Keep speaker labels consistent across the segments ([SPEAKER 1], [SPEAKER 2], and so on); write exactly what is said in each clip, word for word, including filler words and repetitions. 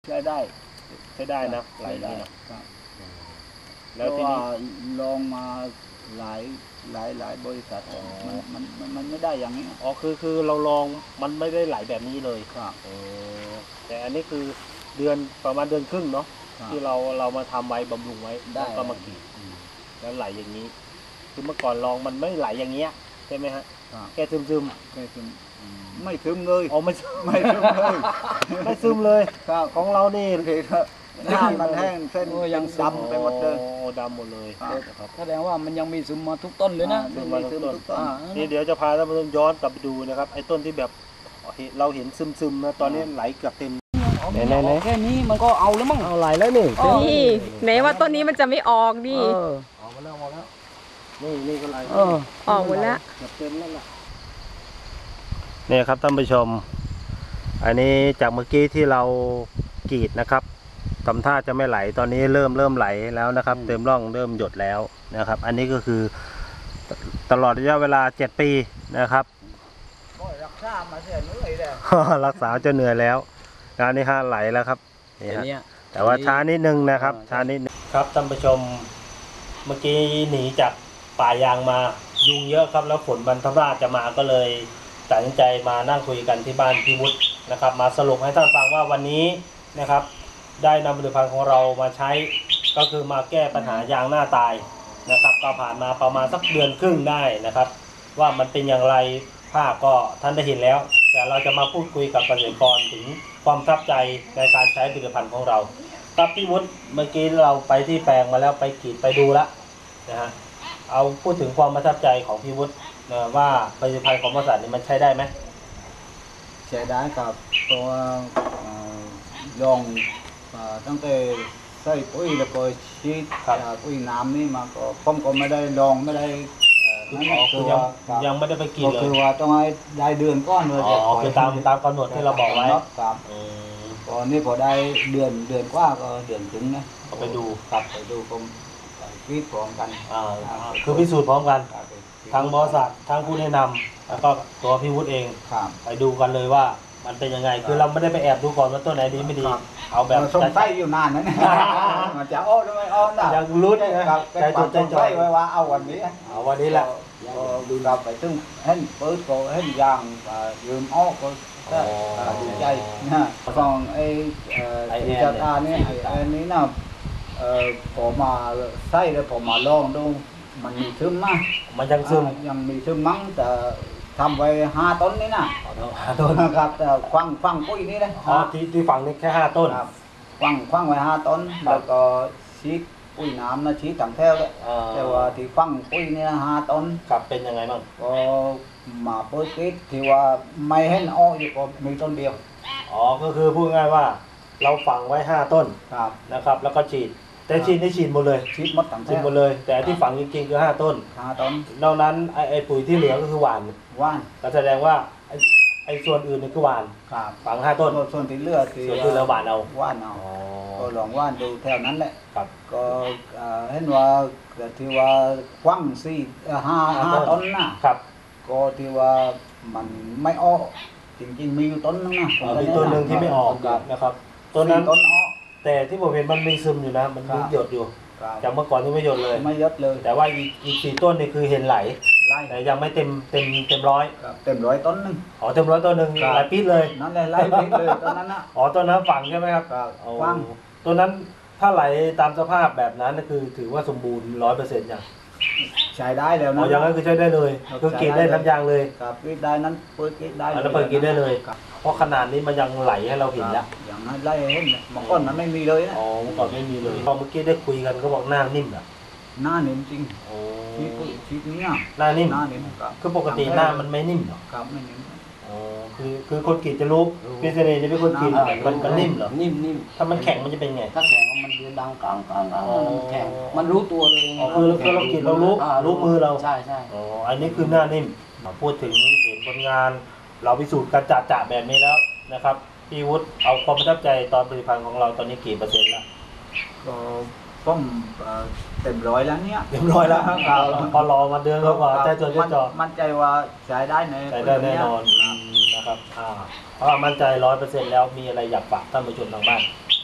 [SPEAKER 1] ใช้ได้
[SPEAKER 2] ใช้ได้นะไหลนี่นะ
[SPEAKER 1] แล้วที่นี่ลองมาหลายหลายหลายบริษัทมันมันมันไม่ได้อย่างนี้
[SPEAKER 2] อ๋อคือคือเราลองมันไม่ได้ไหลแบบนี้เลย
[SPEAKER 1] ครับ
[SPEAKER 2] แต่อันนี้คือเดือนประมาณเดือนครึ่งเนาะที่เราเรามาทำไว้บำรุงไว้แล้วก็มากรีดแล้วไหลอย่างนี้คือเมื่อก่อนลองมันไม่ไหลอย่างเงี้ยใช่ไหมฮะแค่ซึมซึม
[SPEAKER 1] แค่ซึมไม่ซึมเลย
[SPEAKER 2] อ๋อไม่
[SPEAKER 1] ไม่ซึมเลย
[SPEAKER 2] ไม่ซึมเลยของเรานี่
[SPEAKER 1] หน้ามันแห้งเส้นยังดำไปหมดเลย
[SPEAKER 2] ดำหมดเลย
[SPEAKER 3] แสดงว่ามันยังมีซึมมาทุกต้นเลยนะ
[SPEAKER 2] ซึมมาทุกต้นนี่เดี๋ยวจะพาท่านผู้ชมย้อนกลับไปดูนะครับไอ้ต้นที่แบบเราเห็นซึมซึมนะตอนนี้ไหลเกือบเต็ม
[SPEAKER 3] ไหนไหนแค่นี้มันก็เอาแล้วมั้ง
[SPEAKER 2] เอาไหลแล้วนี่
[SPEAKER 4] นี่ไหนว่าต้นนี้มันจะไม่ออกดิ
[SPEAKER 2] ออกมาแล้วออกมาแล้วนี่นี่ก็ไหล
[SPEAKER 4] ออกหมดแล้ว
[SPEAKER 2] เกือบเต็มแล้วล่ะนี่ครับท่านผู้ชมอันนี้จากเมื่อกี้ที่เรากรีดนะครับทำท่าจะไม่ไหลตอนนี้เริ่มเริ่มไหลแล้วนะครับเต็มร่องเริ่มหยดแล้วนะครับอันนี้ก็คือตลอดระยะเวลาเจ็ดปีนะครับ
[SPEAKER 1] รักษามาเสียเหนื่อยแล้ว
[SPEAKER 2] รักษาจะเหนื่อยแล้วงานนี้ฮะไหลแล้วครับนี่ฮะแต่ว่าช้านิดนึงนะครับช้านิดนึงครับท่านผู้ชมเมื่อกี้หนีจากป่ายางมายุงเยอะครับแล้วฝนบรรทราชจะมาก็เลยตัดสินใจมานั่งคุยกันที่บ้านพี่วุฒินะครับมาสรุปให้ท่านฟังว่าวันนี้นะครับได้นำผลิตภัณฑ์ของเรามาใช้ก็คือมาแก้ปัญหายางหน้าตายนะครับก็ผ่านมาประมาณสักเดือนครึ่งได้นะครับว่ามันเป็นอย่างไรภาพก็ท่านได้เห็นแล้วแต่เราจะมาพูดคุยกับเกษตรกรถึงความประทับใจในการใช้ผลิตภัณฑ์ของเราครับพี่วุฒิเมื่อกี้เราไปที่แปลงมาแล้วไปกรีดไปดูแล้วนะฮะเอาพูดถึงความประทับใจของพี่วุฒินะว่าผลิตภัณฑ์ของบริษัทนี้มันใช้ได้ไหม
[SPEAKER 1] ใช้ได้ครับตัวลองตั้งแต่ใส่ปุ๋ยแล้วก็ฉีดปุ๋ยน้ำนี่มาก็ผมก็ไม่ได้ลองไม่ได้
[SPEAKER 2] คือยังยังไม่ได้ไปกินเลย
[SPEAKER 1] คือว่าต้องให้ได้เดือนก้อนเลย
[SPEAKER 2] อ๋อคือตามตามกำหนดที่เราบอกไว้
[SPEAKER 1] ครับตอนนี้พอได้เดือนเดือนกว่าก็เดือนถึงนะ
[SPEAKER 2] ไปดู
[SPEAKER 1] ครับไปดูผมพิสูจน์พร้อมกัน
[SPEAKER 2] คือพิสูจน์พร้อมกันทางบริษัททางผู้แนะนำแล้วก็ตัวพี่วุฒิเองไปดูกันเลยว่ามันเป็นยังไงคือเราไม่ได้ไปแอบดูก่อนว่าต้นไหนดีไม่ดีเอาแบบ
[SPEAKER 1] สงสัยอยู่นานนะเนี่ยมันจะอ้อหรือไม่อ้อนะ
[SPEAKER 2] อยากรู้นะครับ
[SPEAKER 1] ใจจดใจจ่อยไว้ว่าเอาวันนี้
[SPEAKER 2] เอาวันนี้แหละ
[SPEAKER 1] ก็ดูเราไปถึงเห็นเปิดก็เห็นยางยืมอ้อก็ดีใจนะฟังไอ้ไอ้จัตานี่ไอ้นี้นะผมมาใส่แล้วผมมาลองดูมันมีซึมมั้ง
[SPEAKER 2] มันยังซึม
[SPEAKER 1] ยังมีซึมมั้งแต่ทำไว้ห้าต้นนี่นะ
[SPEAKER 2] ห้าต้น
[SPEAKER 1] ครับแต่ควังควังปุ้ยนี่นะ
[SPEAKER 2] อ๋อที่ที่ฝั่งนี้แค่ห้าต้น
[SPEAKER 1] ควังควังไว้ห้าต้นแล้วก็ชีดปุ้ยน้ำนะชีดถังแถวเลยแต่ว่าที่ควังปุ้ยนี่นะห้าต้น
[SPEAKER 2] ครับเป็นยังไงบ้าง
[SPEAKER 1] ก็มาเปิดกิดที่ว่าไม่เห็นอ้ออยู่ก็มีต้นเดียว
[SPEAKER 2] อ๋อก็คือพูดง่ายว่าเราฝังไว้ห้าต้นนะครับแล้วก็ฉีดแต่ฉีดได้ฉีดหมดเลย
[SPEAKER 1] ฉีดหมดทั้ง
[SPEAKER 2] ฉีดหมดเลยแต่ที่ฝังจริงๆคือห้าต้น
[SPEAKER 1] ห้าต้น
[SPEAKER 2] นอกนั้นไอไอปุ๋ยที่เหลือก็คือหว่าน
[SPEAKER 1] หว่าน
[SPEAKER 2] ก็แสดงว่าไอไอส่วนอื่นนี่คือหว่านฝังห้าต้น
[SPEAKER 1] ส่วนที่เหลือ
[SPEAKER 2] ที่ส่วนที่เหลือหว่านเอา
[SPEAKER 1] หว่านเอาก็ลองหว่านดูแถวนั้นแหละก็เห็นว่าที่ว่าควังสี่ห้าห้าต้นนะครับก็ที่ว่ามันไม่ออกจริงๆมีอยู่ต้นนึงนะ
[SPEAKER 2] มีต้นหนึ่งที่ไม่ออกนะครับต้นนั้น
[SPEAKER 1] ต้นออก
[SPEAKER 2] แต่ที่ผมเห็นมันมีซึมอยู่นะมันหยดอยู่จากเมื่อก่อนที่ไม่หยดเลย
[SPEAKER 1] ไม่หยดเลย
[SPEAKER 2] แต่ว่าอีกอีกสี่ต้นนี่คือเห็นไหลแต่ยังไม่เต็มเต็มเต็มร้อย
[SPEAKER 1] เต็มร้อยต้นนึง
[SPEAKER 2] อ๋อเต็มร้อยต้นหนึ่งหลายปีเลย
[SPEAKER 1] นั่นเลยหลายปีเลยต้นนั้นนะ
[SPEAKER 2] อ๋อต้นนั้นฝังใช่ไหมครับ
[SPEAKER 1] ฝัง
[SPEAKER 2] ต้นนั้นถ้าไหลตามสภาพแบบนั้นก็คือถือว่าสมบูรณ์ร้อยเปอร์เซ็นต์อย่าง
[SPEAKER 1] ใช้ได้แล้วนะ
[SPEAKER 2] อ๋ออย่างนั้นคือใช้ได้เลยคือกรีดได้ทั้งยางเลย
[SPEAKER 1] ครับกรีดได้นั้นเปิดกรีดได้
[SPEAKER 2] แล้วเปิดกรีดได้เลยเพราะขนาดนี้มันยังไหลให้เราเห็นแล้ว
[SPEAKER 1] อย่างนั้นไล่เห็นเมื่อก่อนมันไม่มีเลยนะ
[SPEAKER 2] อ๋อเมื่อก่อนไม่มีเลยพอเมื่อกี้ได้คุยกันก็บอกหน้านิ่มอ่ะ
[SPEAKER 1] หน้านิ่มจริงชีดชีดนี้
[SPEAKER 2] หน้านิ่ม
[SPEAKER 1] หน้านิ่ม
[SPEAKER 2] คือปกติหน้ามันไม่นิ่มหรอ
[SPEAKER 1] ครับไม่นิ่ม
[SPEAKER 2] อ๋อคือคือคนกรีดจะรู้พี่เสน่ห์จะเป็นคนกรีดมันมันนิ่มเหรอ
[SPEAKER 3] นิ่มนิ่ม
[SPEAKER 2] ถ้ามันแข็งมันจะเป็นไง
[SPEAKER 3] ถ้าแข็งมันจะดังก้างก้างก้างมันแข็งมันรู้ตัวเลย
[SPEAKER 2] อ๋อคือเรากรีดเรารู้รู้มือเรา
[SPEAKER 3] ใช่ใช่
[SPEAKER 2] อ๋ออันนี้คือหน้านิ่มพูดถึงเห็นผลงานเราพิสูจน์กันจ่าๆแบบนี้แล้วนะครับพี่วุฒิเอาความประทับใจตอนผลิตภัณฑ์ของเราตอนนี้กี่เปอร์เซ็นต์แล้ว
[SPEAKER 1] ก็ต้มเต็มร้อยแล้วเนี่ย
[SPEAKER 2] เต็มร้อยแล้วพอรอมาเดือนก็ว่าใจจดใจจ่อ
[SPEAKER 1] มั่นใจว่าใช้ได้ใน
[SPEAKER 2] ใช้ได้แน่นอนนะครับอ่าเพราะมั่นใจร้อยเปอร์เซ็นต์แล้วมีอะไรอยากฝากท่านผู้ชมทางบ้าน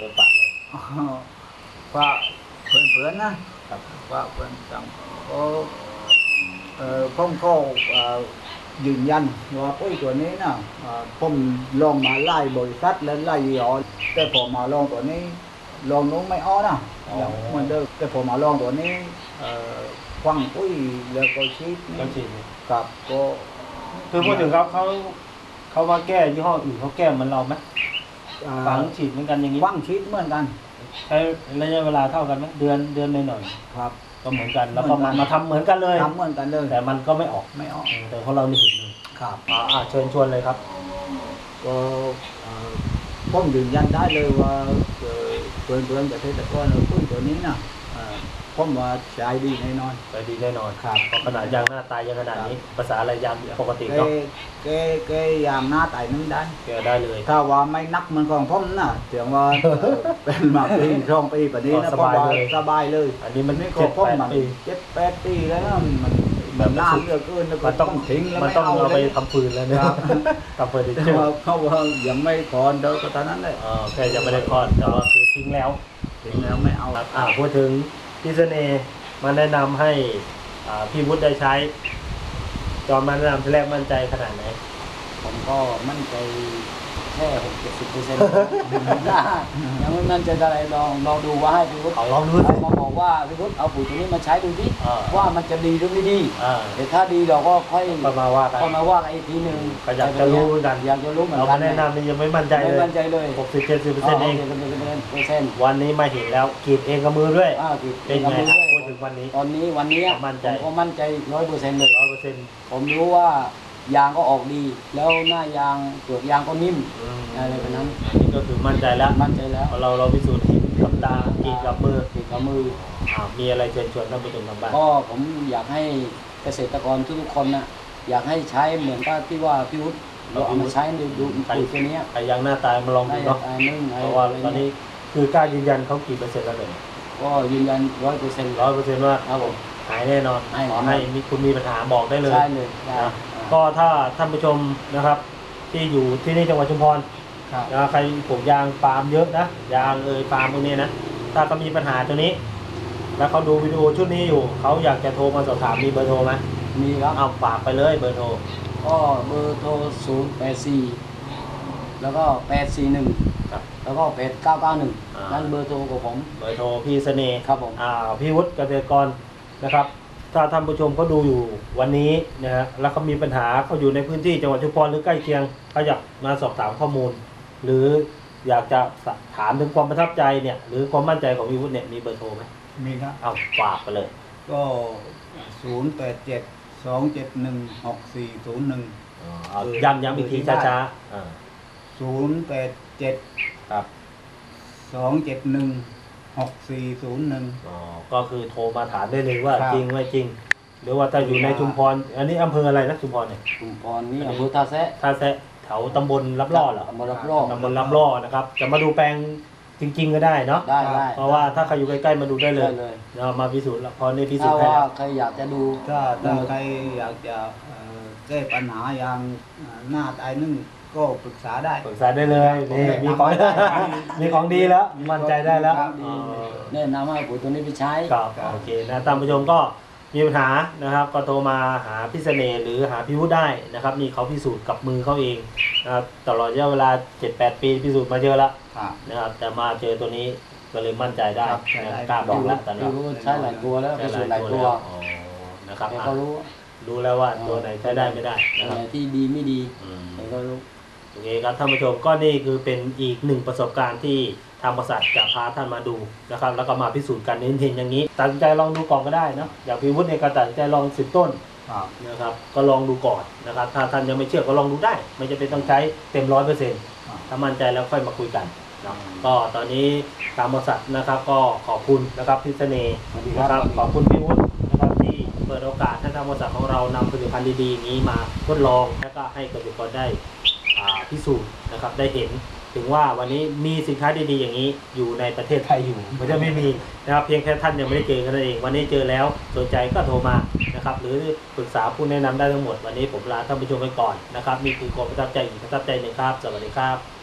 [SPEAKER 2] โดยปากเลย
[SPEAKER 1] ว่าเพื่อนๆนะครับว่าเพื่อนจังก็เอ่อผมก็เอ่อยืนยันว่าปุ๋ยตัวนี้นะเอ่อผมลองมาไล่บริษัทและไล่ยี่ห้อแต่พอมาลองตัวนี้ลองนู้นไม่อ้อนะอย่างเหมือนเดิมแต่พอมาลองตัวนี้เอ่อควังปุ๋ยแล้วก็ชีด
[SPEAKER 2] ก็ฉีด
[SPEAKER 1] กับก็
[SPEAKER 2] คือพูดถึงเขาเขาเขามาแก้ยี่ห้ออื่นเขาแก้เหมือนเราไหม
[SPEAKER 1] อ่า
[SPEAKER 2] ฝังฉีดเหมือนกันอย่างนี้
[SPEAKER 1] ควังชีดเหมือนกัน
[SPEAKER 2] ใช้ระยะเวลาเท่ากันไหมเดือนเดือนหน่อย
[SPEAKER 1] ครับ
[SPEAKER 2] ๆก็เหมือนกันแล้วก็
[SPEAKER 1] เหมื
[SPEAKER 2] มา
[SPEAKER 1] อนกัน
[SPEAKER 2] มาทำเหมือนกันเลย
[SPEAKER 1] ทำเหมือนกันเลย
[SPEAKER 2] แต่มันก็ไม่ออก
[SPEAKER 1] ไม่ออก
[SPEAKER 2] แต่ของเรานี่เห็นเลย
[SPEAKER 1] ครับ
[SPEAKER 2] อ่าอ่าเชิญชวนเลยครับ
[SPEAKER 1] ก็เอ่อผมยืนยันได้เลยว่าเอ่อเพื่อนเพื่อนเกษตรกรเอาปุ๋ยตัวนี้นะเอ่อผมว่าใช้ดีแน่นอน
[SPEAKER 2] ไปดีแน่นอน
[SPEAKER 1] ครับ
[SPEAKER 2] เพราะขนาดยางหน้าตายยังขนาดนี้ ภาษาอะไรยางปกติ
[SPEAKER 1] แก
[SPEAKER 2] เนาะ
[SPEAKER 1] แกแกยามหน้าไต่นึงได้
[SPEAKER 2] แกได้เลย
[SPEAKER 1] ถ้าว่าไม่นักเหมือนของผมนะเสียงว่าเอ่อเป็นมาปีช่องปีแบบนี้นะ
[SPEAKER 2] ส
[SPEAKER 1] ผม
[SPEAKER 2] บาย
[SPEAKER 1] ว่า
[SPEAKER 2] เลย
[SPEAKER 1] สบายเลย
[SPEAKER 2] อันนี้มัน
[SPEAKER 1] นี่ก็
[SPEAKER 2] เจ็ด
[SPEAKER 1] ผม
[SPEAKER 2] แปด
[SPEAKER 1] มัน
[SPEAKER 2] ปี
[SPEAKER 1] เจ็ดแปดปีแล้วนะมันมันนานเหลือเกินแล้วก็
[SPEAKER 2] มันต้อง
[SPEAKER 1] ทิ้งแล้ว
[SPEAKER 2] มัน
[SPEAKER 1] ไม่
[SPEAKER 2] ต้อง
[SPEAKER 1] เอา
[SPEAKER 2] เอา
[SPEAKER 1] เล
[SPEAKER 2] ไป
[SPEAKER 1] ย
[SPEAKER 2] ทำฟืนแล้วเนี่ย
[SPEAKER 1] ครับ
[SPEAKER 2] ทำเฟอร์นิ
[SPEAKER 1] แต่
[SPEAKER 2] เจอ
[SPEAKER 1] ว่า
[SPEAKER 2] ร์
[SPEAKER 1] เขาว่ายังไม่คอนเดินก็ตอนนั้นเลย
[SPEAKER 2] อ่าแค่ยังไม่ได้คลอดแต่ว่าคือทิ้งแล้ว
[SPEAKER 1] ทิ้งแล้วไม่เอา
[SPEAKER 2] ครับอ่าพูดถึงพี่เสน่ห์มาแนะนำให้อ่าพี่วุฒิได้ใช้ตอนมาแนะนำที่แรกมั่นใจขนาดไหน
[SPEAKER 3] ผมก็มั่นใจแค่หกเจ็ดสิบเปอร์เซ็นต์ยังไม่มั่นใจอะไรลองลองดูว่าให้พี่วุฒิ
[SPEAKER 2] เอาลองดูสิ
[SPEAKER 3] เขามาบอกว่าพี่วุฒิเอาปุ๋ยตัวนี้มาใช้ดูดิ
[SPEAKER 2] อ่า
[SPEAKER 3] ว่ามันจะดีหรือไม่ดี
[SPEAKER 2] อ่า
[SPEAKER 3] แต่ถ้าดีเราก็ค่อย
[SPEAKER 2] ก็มาว่ากัน
[SPEAKER 3] ก็มาว่ากันอีกทีหนึ่ง
[SPEAKER 2] ก็อยากจะรู้เหมือนกัน
[SPEAKER 3] อยากจะรู้เหมือน
[SPEAKER 2] เรา
[SPEAKER 3] กั
[SPEAKER 2] มาน แนะนำนี่ยังไม่มั่นใจ
[SPEAKER 3] ไม่
[SPEAKER 2] เลย
[SPEAKER 3] มั่นใจเลย
[SPEAKER 2] หกสิบเจ็ดสิบเปอร์เซ็นต์เอง
[SPEAKER 3] เปอร์เซ็นต์เปอร์เซ็นต์
[SPEAKER 2] วันนี้มาเห็นแล้วกรีดเองกับมือด้วย
[SPEAKER 3] อ้าวคือ
[SPEAKER 2] เป็นไง
[SPEAKER 3] มือ
[SPEAKER 2] ครับ
[SPEAKER 3] ด้วย
[SPEAKER 2] พูดถึงวันนี้
[SPEAKER 3] ตอนนี้วันนี้
[SPEAKER 2] มั่นใจ
[SPEAKER 3] ผมก็มั่นใจร้อยเปอร์เซ็นต์เลย
[SPEAKER 2] ร้อยเปอร์เซ็นต์
[SPEAKER 3] ผมรู้ว่ายางก็ออกดี แล้วหน้ายางเปลือกยางก็นิ่มอะไรแบบนั้น
[SPEAKER 2] อันนี้ก็คือมั่นใจแล้ว
[SPEAKER 3] มั่นใจแล้ว
[SPEAKER 2] เพราะเราเราพิสูจน์เห็นกับตากรีดกับมือ
[SPEAKER 3] ติดกับมือ
[SPEAKER 2] อ่ามีอะไรเชิญชวนท่านผู้ชมทางบ้าน
[SPEAKER 3] ก็ผมอยากให้เกษตรกรทุกๆคนนะอยากให้ใช้เหมือนกับที่ว่าพี่วุฒิเราเอามาใช้ดูดูปุ๋ยตัวเนี้ย
[SPEAKER 2] ใครยังหน้าตายมาลอง
[SPEAKER 3] ได้
[SPEAKER 2] ดูเนาะ
[SPEAKER 3] อันนึง
[SPEAKER 2] เพราะว่าตอนนี้คือกล้ายืนยันเขากี่เปอร์เซ็นต์แล้วเลย
[SPEAKER 3] ก็ยืนยันร้อยเปอร์เซ็นต์
[SPEAKER 2] ร้อยเปอร์เซ็นต์ว่า
[SPEAKER 3] ครับผม
[SPEAKER 2] หายแน่นอน
[SPEAKER 3] หายแน่น
[SPEAKER 2] ข
[SPEAKER 3] อน
[SPEAKER 2] อให้มีคุณมีปัญหาบอกได้เลย
[SPEAKER 3] ใช่เลยได้
[SPEAKER 2] นะก็ถ้าท่านผู้ชมนะครับ ที่อยู่ที่นี่จังหวัดชุมพร
[SPEAKER 3] ครับ
[SPEAKER 2] นะใครปลูกยางปาล์มเยอะนะยางเอยปาล์มพวกนี้นะถ้าเขามีปัญหาตัวนี้ แล้วเขาดูวิดีโอชุดนี้อยู่เขาอยากจะโทรมาสอบถามมีเบอร์โทรไหม
[SPEAKER 3] มีครับ
[SPEAKER 2] เอาฝากไปเลยเบอร์โทร
[SPEAKER 3] ก็เบอร์โทรศูนย์แปดสี่แล้วก็แปดสี่หนึ่ง
[SPEAKER 2] ครับ
[SPEAKER 3] แล้วก็แปดเก้าเก้าหนึ่ง
[SPEAKER 2] อ่านั่
[SPEAKER 3] นั่นเบอร์โทรของผม
[SPEAKER 2] เบอร์โทรพี่เสน่ห์
[SPEAKER 3] ครับผม
[SPEAKER 2] อ่าพี่วุฒิเกษตรกรนะครับ ถ้าท่านผู้ชมเขาดูอยู่วันนี้นะฮะแล้วเขามีปัญหาเขาอยู่ในพื้นที่จังหวัดชุมพรหรือใกล้เคียงเขาอยากมาสอบถามข้อมูล หรืออยากจะถามถึงความประทับใจเนี่ยหรือความมั่นใจของพี่วุฒิเนี่ยมีเบอร์โทรไหม
[SPEAKER 1] มีครับ
[SPEAKER 2] เอาฝากไปเลย
[SPEAKER 1] ก็ศูนย์แปดเจ็ดสองเจ็ดหนึ่งหกสี่ศูนย์หนึ่ง
[SPEAKER 2] อ๋อเอาย้ำย้ำอีกทีช้าๆอ่า
[SPEAKER 1] ศูนย์แปดเจ็ด
[SPEAKER 2] ครับ
[SPEAKER 1] สองเจ็ดหนึ่งหกสี่ศูนย์หนึ่ง
[SPEAKER 2] อ๋อก็คือโทรมาถามได้เลยว่า
[SPEAKER 1] ครับ
[SPEAKER 2] จริงไม่จริง หรือว่าถ้าอยู่ในชุมพรอันนี้อำเภออะไรนะชุมพรเนี่ย
[SPEAKER 3] ชุมพรนี่อำเภอท่าแซะ
[SPEAKER 2] ท่าแซะแถวตำบลรับล่อเหรอ
[SPEAKER 3] ตำบลรับล่อ
[SPEAKER 2] ตำบลรับล่อนะครับจะมาดูแปลงจริง ๆ ก็ได้เนาะ
[SPEAKER 3] ได้ได้
[SPEAKER 2] เพราะว่าถ้าใครอยู่ใกล้ๆมาดูได้เลย
[SPEAKER 3] ได้เลย
[SPEAKER 2] เรามาพิสูจน์แล้วพอในพิสู
[SPEAKER 3] ถ้า
[SPEAKER 2] จน์ให้
[SPEAKER 3] ว่า
[SPEAKER 2] แล้ว
[SPEAKER 3] ใครอยากจะดู
[SPEAKER 1] ถ้าถ้าใครอยากจะเอ่อแก้ปัญหาอย่างเอ่อหน้าตายนึ่งก็ปรึกษาได้
[SPEAKER 2] ปรึกษาได้เลยนี่มีของ มีของดีแล้วมั่นใจได้แล้ว
[SPEAKER 1] ครับ
[SPEAKER 2] อ๋อ
[SPEAKER 3] แนะนำให้ปุ๋ยตัวนี้ไปใช้
[SPEAKER 2] ครับโอเคนะท่านผู้ชมก็มีปัญหานะครับ ก็โทรมาหาพี่เสน่ห์หรือหาพี่วุฒิได้นะครับนี่เขาพิสูจน์กับมือเขาเองนะครับตลอดระยะเวลา เจ็ดแปด ปีพิสูจน์มาเยอะแล้ว
[SPEAKER 1] ครับ
[SPEAKER 2] นะครับแต่มาเจอตัวนี้ก็เลยมั่นใจได้
[SPEAKER 1] ครับใช่
[SPEAKER 2] นะ
[SPEAKER 1] ได้
[SPEAKER 2] กล้าบอกแล้วตอนนี้
[SPEAKER 3] พี่วุฒิใช้หลายตัวแล้วไปสูตรหลายตัว
[SPEAKER 2] แล้วอ๋อนะครับ
[SPEAKER 3] แก
[SPEAKER 2] อ่ะ
[SPEAKER 3] ก็รู้
[SPEAKER 2] รู้แล้วว่าตัวไหนใช้ได้ไม่ได้
[SPEAKER 3] ตัว
[SPEAKER 2] นะครับ
[SPEAKER 3] ไหนที่ดีไม่ดี
[SPEAKER 2] อืม
[SPEAKER 3] แกก็รู้
[SPEAKER 2] โอเคครับท่านผู้ชมก็นี่คือเป็นอีกหนึ่งประสบการณ์ที่ทางบริษัทจะพาท่านมาดูนะครับแล้วก็มาพิสูจน์กันเห็นๆอย่างนี้ตัดสินใจลองดูก่อนก็ได้เนอะอย่างพี่วุฒิเนี่ยก็ตัดสินใจลองสิบต้น
[SPEAKER 1] ครับ
[SPEAKER 2] นะครับก็ลองดูก่อนนะครับถ้าท่านยังไม่เชื่อก็ลองดูได้ไม่จำเป็นต้องใช้เต็มร้อยเปอร์เซ็นต์
[SPEAKER 1] ครับ
[SPEAKER 2] ถ้ามั่นใจแล้วค่อยมาคุยกันเนาะก็ตอนนี้ทางบริษัทนะครับก็ขอบคุณนะครับพี่เสน่ห์
[SPEAKER 3] สวัสดี
[SPEAKER 2] นะค
[SPEAKER 3] ครั
[SPEAKER 2] รับบ ขอบคุณพี่วุฒินะครับที่เปิดโอกาสให้ทางบริษัทของเรานำผลิตภัณฑ์ดีๆอย่างนี้มาทดลองและก็ให้เกษตรกรได้อ่าพิสูจน์นะครับได้เห็นถึงว่าวันนี้มีสินค้าดีๆอย่างนี้อยู่ในประเทศไทยอยู่มันจะไม่มีนะครับเพียงแค่ท่านยังไม่ได้เจอกันนั่นเองวันนี้เจอแล้วสนใจก็โทรมานะครับหรือปรึกษาผู้แนะนำได้ทั้งหมดวันนี้ผมลาท่านผู้ชมไปก่อนนะครับนี่คือความประทับใจอีกประทับใจหนึ่งครับสวัสดีครับ